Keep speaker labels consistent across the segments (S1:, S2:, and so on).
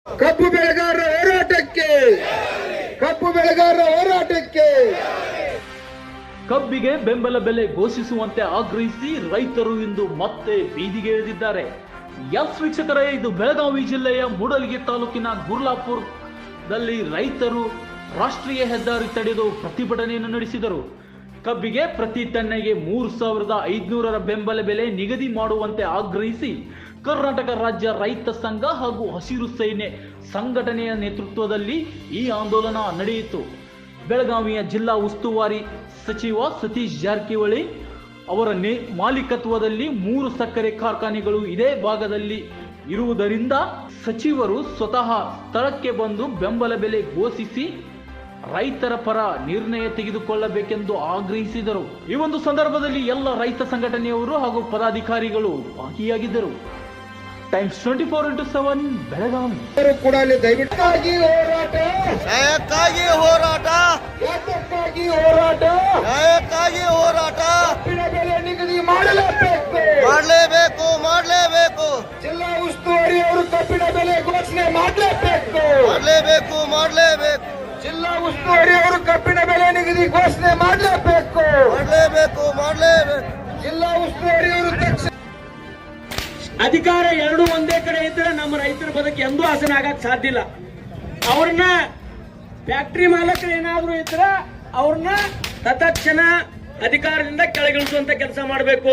S1: ಕಬ್ಬು ಬೆಳೆಗಾರರ ಹೋರಾಟಕ್ಕೆ, ಕಬ್ಬು ಬೆಳೆಗಾರರ ಹೋರಾಟಕ್ಕೆ.
S2: ಕಬ್ಬಿಗೆ ಬೆಂಬಲ ಬೆಲೆ ಘೋಷಿಸುವಂತೆ ಆಗ್ರಹಿಸಿ ರೈತರು ಇಂದು ಮತ್ತೆ ಬೀದಿಗೆ ಇಳಿದಿದ್ದಾರೆ. ಎಸ್ ವೀಕ್ಷಕರೇ, ಇದು ಬೆಳಗಾವಿ ಜಿಲ್ಲೆಯ ಮೂಡಲಗಿ ತಾಲೂಕಿನ ಗುರ್ಲಾಪುರದಲ್ಲಿ ರೈತರು ರಾಷ್ಟ್ರೀಯ ಹೆದ್ದಾರಿ ತಡೆದು ಪ್ರತಿಭಟನೆಯನ್ನು ನಡೆಸಿದರು. ಕಬ್ಬಿಗೆ ಪ್ರತಿ ಟನ್ನೆಗೆ 3,500 ಬೆಂಬಲ ಬೆಲೆ ನಿಗದಿ ಮಾಡುವಂತೆ ಆಗ್ರಹಿಸಿ ಕರ್ನಾಟಕ ರಾಜ್ಯ ರೈತ ಸಂಘ ಹಾಗೂ ಹಸಿರು ಸೇನೆ ಸಂಘಟನೆಯ ನೇತೃತ್ವದಲ್ಲಿ ಈ ಆಂದೋಲನ ನಡೆಯಿತು. ಬೆಳಗಾವಿಯ ಜಿಲ್ಲಾ ಉಸ್ತುವಾರಿ ಸಚಿವ ಸತೀಶ್ ಜಾರಕಿಹೊಳಿ ಅವರ ಮಾಲೀಕತ್ವದಲ್ಲಿ 3 ಸಕ್ಕರೆ ಕಾರ್ಖಾನೆಗಳು ಇದೇ ಭಾಗದಲ್ಲಿ ಇರುವುದರಿಂದ ಸಚಿವರು ಸ್ವತಃ ಸ್ಥಳಕ್ಕೆ ಬಂದು ಬೆಂಬಲ ಬೆಲೆ ಘೋಷಿಸಿ ರೈತರ ಪರ ನಿರ್ಣಯ ತೆಗೆದುಕೊಳ್ಳಬೇಕೆಂದು ಆಗ್ರಹಿಸಿದರು. ಈ ಒಂದು ಸಂದರ್ಭದಲ್ಲಿ ಎಲ್ಲ ರೈತ ಸಂಘಟನೆಯವರು ಹಾಗೂ ಪದಾಧಿಕಾರಿಗಳು ಭಾಗಿಯಾಗಿದ್ದರು. Times 24x7 Belagavi.
S1: ಕೂಡ ದಯವಿಟ್ಟಾಗಿ ಹೋರಾಟ,
S3: ನ್ಯಾಯಕ್ಕಾಗಿ ಹೋರಾಟ,
S1: ಯಾತಕ್ಕಾಗಿ ಹೋರಾಟ,
S3: ನ್ಯಾಯಕ್ಕಾಗಿ ಹೋರಾಟ
S1: ಕಬ್ಬಿನ ಬೆಲೆ ನಿಗದಿ ಮಾಡಲೇಬೇಕು,
S3: ಮಾಡಲೇಬೇಕು, ಮಾಡಲೇಬೇಕು,
S1: ಜಿಲ್ಲಾ ಉಸ್ತುವಾರಿ ಅವರು ಕಬ್ಬಿನ ಬೆಲೆ ಘೋಷಣೆ ಮಾಡಲೇಬೇಕು,
S3: ಮಾಡಲೇಬೇಕು, ಮಾಡಲೇಬೇಕು,
S1: ಜಿಲ್ಲಾ ಉಸ್ತುವಾರಿ ಅವರು ಕಬ್ಬಿನ ಬೆಲೆ ನಿಗದಿ ಘೋಷಣೆ ಮಾಡಲೇಬೇಕು,
S3: ಮಾಡಲೇಬೇಕು, ಮಾಡಲೇಬೇಕು.
S1: ಜಿಲ್ಲಾ ಉಸ್ತುವಾರಿ ಅವರು ತಕ್ಷಣ
S4: ಅಧಿಕಾರ ಎರಡು ಒಂದೇ ಕಡೆ ಇದ್ರೆ ನಮ್ಮ ರೈತರ ಬದುಕು ಎಂದೂ ಹಸನ ಆಗಕ್ ಸಾಧ್ಯ ಇಲ್ಲ. ಅವ್ರನ್ನ ಫ್ಯಾಕ್ಟರಿ ಮಾಲಕರು ಏನಾದ್ರು ಇದ್ರೆ ಅವ್ರನ್ನ ತತ್ಕ್ಷಣ ಅಧಿಕಾರದಿಂದ ಕೆಳಗಿಳಿಸುವಂತ ಕೆಲಸ ಮಾಡಬೇಕು.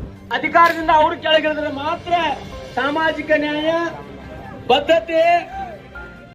S4: ಅಧಿಕಾರದಿಂದ ಅವ್ರು ಕೆಳಗಿಳಿದ್ರೆ ಮಾತ್ರ ಸಾಮಾಜಿಕ ನ್ಯಾಯ, ಬದ್ಧತೆ